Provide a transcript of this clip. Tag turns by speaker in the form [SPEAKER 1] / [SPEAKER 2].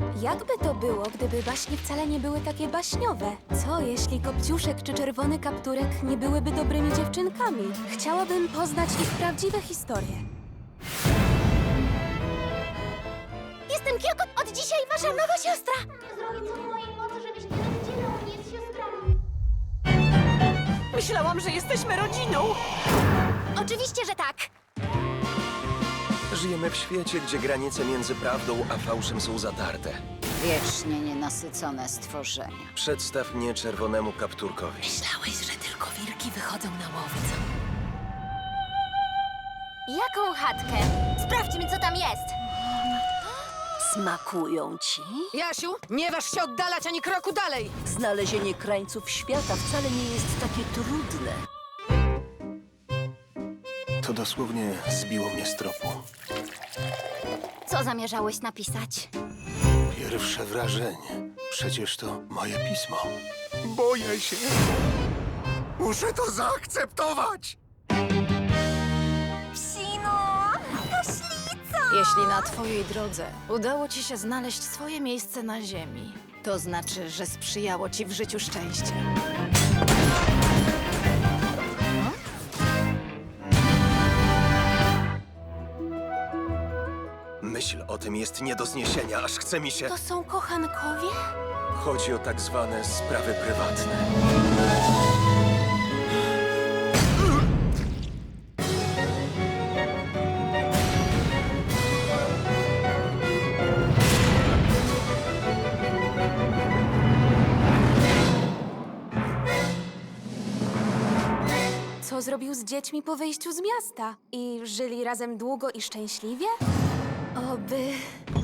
[SPEAKER 1] Jakby to było, gdyby baśnie wcale nie były takie baśniowe? Co jeśli Kopciuszek czy Czerwony Kapturek nie byłyby dobrymi dziewczynkami? Chciałabym poznać ich prawdziwe historie. Jestem Kioko, od dzisiaj wasza nowa siostra!
[SPEAKER 2] Zrobię co w mojej mocy, żebyście dowiedzieli o mnie z siostrami.
[SPEAKER 3] Myślałam, że jesteśmy rodziną.
[SPEAKER 1] Oczywiście, że tak!
[SPEAKER 4] Żyjemy w świecie, gdzie granice między prawdą a fałszem są zatarte.
[SPEAKER 5] Wiecznie nienasycone stworzenia.
[SPEAKER 4] Przedstaw mnie Czerwonemu Kapturkowi.
[SPEAKER 3] Myślałeś, że tylko wilki wychodzą na łowcę.
[SPEAKER 1] Jaką chatkę? Sprawdźmy, co tam jest!
[SPEAKER 6] Smakują ci?
[SPEAKER 3] Jasiu, nie waż się oddalać ani kroku dalej.
[SPEAKER 6] Znalezienie krańców świata wcale nie jest takie trudne.
[SPEAKER 4] To dosłownie zbiło mnie z tropu.
[SPEAKER 1] Co zamierzałeś napisać?
[SPEAKER 4] Pierwsze wrażenie. Przecież to moje pismo. Boję się. Muszę to zaakceptować.
[SPEAKER 3] Jeśli na twojej drodze udało ci się znaleźć swoje miejsce na ziemi, to znaczy, że sprzyjało ci w życiu szczęście.
[SPEAKER 4] Myśl o tym jest nie do zniesienia, aż chce mi się...
[SPEAKER 1] To są kochankowie?
[SPEAKER 4] Chodzi o tak zwane sprawy prywatne.
[SPEAKER 1] Co zrobił z dziećmi po wyjściu z miasta? I żyli razem długo i szczęśliwie? Oby...